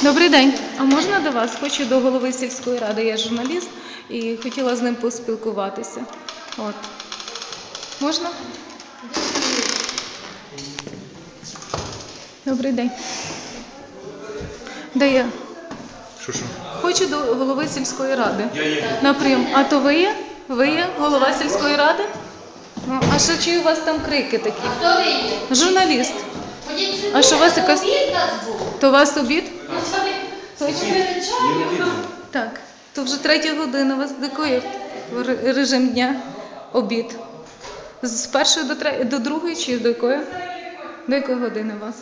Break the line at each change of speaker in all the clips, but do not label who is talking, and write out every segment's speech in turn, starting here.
Добрий день. А можна до вас? Хочу до голови сільської ради. Я журналіст і хотіла з ним поспілкуватися. От. Можна? Добрий день. Де я?
Що?
Хочу до голови сільської ради.
Я є.
На прийом. А то ви є? Ви є голова сільської ради? Ну, а що чую у вас там крики такі?
Хто ви є?
Журналіст.
Ходіть сюди,
А що у вас якась...
обід нас був.
То у вас обід?
Точно вирішаю.
Так. То вже 3 година. У вас який режим дня? Обід. З 1 до 2 чи до якої? До якої години у вас?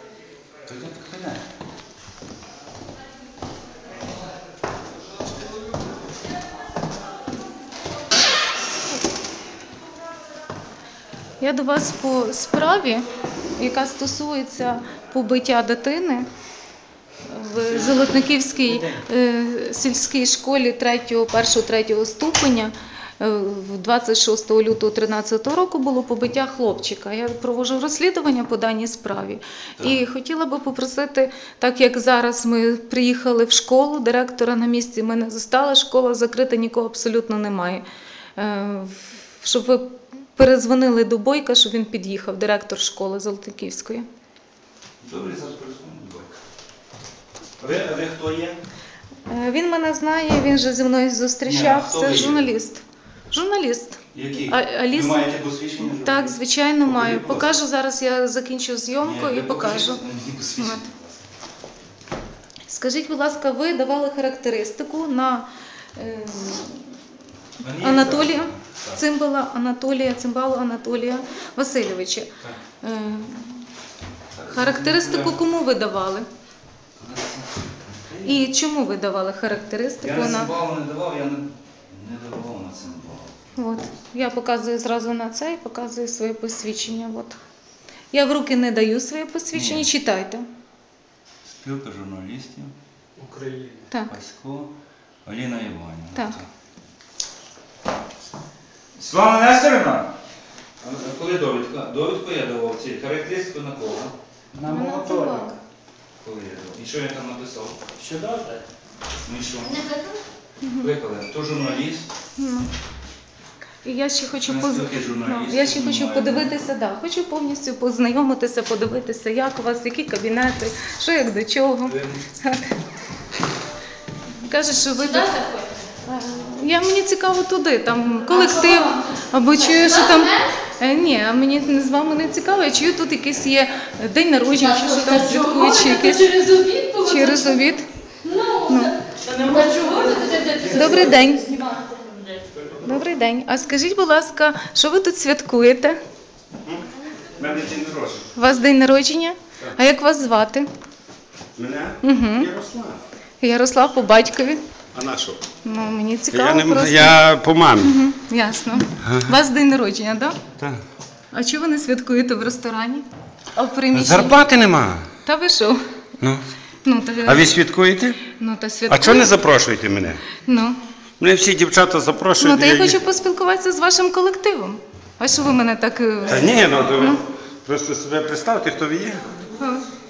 Я до вас по справі, яка стосується побиття дитини в Золотниківській сільській школі 1-3 ступеня. 26 лютого 2013 року було побиття хлопчика. Я проводжу розслідування по даній справі. І хотіла би попросити, так як зараз ми приїхали в школу, директора на місці ми не застали, школа закрита, нікого абсолютно немає. Щоб ви перезвонили до Бойка, щоб він під'їхав, директор школи Золотниківської.
Добре, зараз перезвоню до Бойка. А ви хто є?
Він мене знає, він же зі мною зустрічав.
Ні,
Це
ви є?
журналіст. Журналіст.
Який?
Аліс...
Ви маєте посвідчення?
Так, звичайно, маю.
Покажіть, будь ласка.
Покажу, зараз я закінчу зйомку і покажу.
Мені посвідчення,
От.
будь ласка.
Скажіть, будь ласка, ви давали характеристику на
Мені
Анатолія
так.
Цимбалу Анатолія Васильовича.
Так.
Характеристику кому ви давали? І чому ви давали характеристику
Я на
на...
Цимбалу не давав, я не давав на Цимбалу.
От. Я показую зразу на це і показую своє посвідчення. От. Я в руки не даю своє посвідчення,
Ні.
читайте.
Спілка журналістів,
України.
Так.
Пасько, Аліна Іванівна.
Так.
Світлана Нестерівна! А коли довідка? Довідку я давав, ці характеристику на кого?
На
Вона
моторик.
цимбала.
Коли я давав? І що я там написав?
Що добре?
Ну і що?
Не викликали?
Викликали. То журналіст.
Ну. І я ще хочу,
Ми спілки журналістів
я ще хочу
маємо.
подивитися, да, хочу повністю познайомитися, подивитися, як у вас, які кабінети, що як до чого. Так. Каже, що ви...
Сюди заходьте.
Мені цікаво туди, там колектив, або чую, що там... Ні, а мені з вами не цікаво, я чую, тут якийсь є день народження, чи що там святкують, чи якийсь...
Через обід було?
Через обід.
Ну, та нема чого ви тут йдете.
Добрий день. Добрий день. А скажіть, будь ласка, що ви тут святкуєте?
У мене день народження.
У вас день народження? А як вас звати?
Мене?
Угу.
Ярослав.
Ярослав по батькові.
А на що?
Ну, мені цікаво просто.
Я по мамі.
Мгм, ясно. У вас день народження, так?
Так.
А чого ви не святкуєте в ресторані? А в приміщенні?
Зарплати нема.
Та ви що?
Ну.
Ну, та,
А ви святкуєте?
ну, та
А
святкуєте.
чого не запрошуєте мене?
Ну.
Мене всі дівчата запрошують.
Ну, та я
і-
хочу поспілкуватися з вашим колективом. А що ви мене так...
Та ні, ну то ви просто себе представте, хто ви є.
А,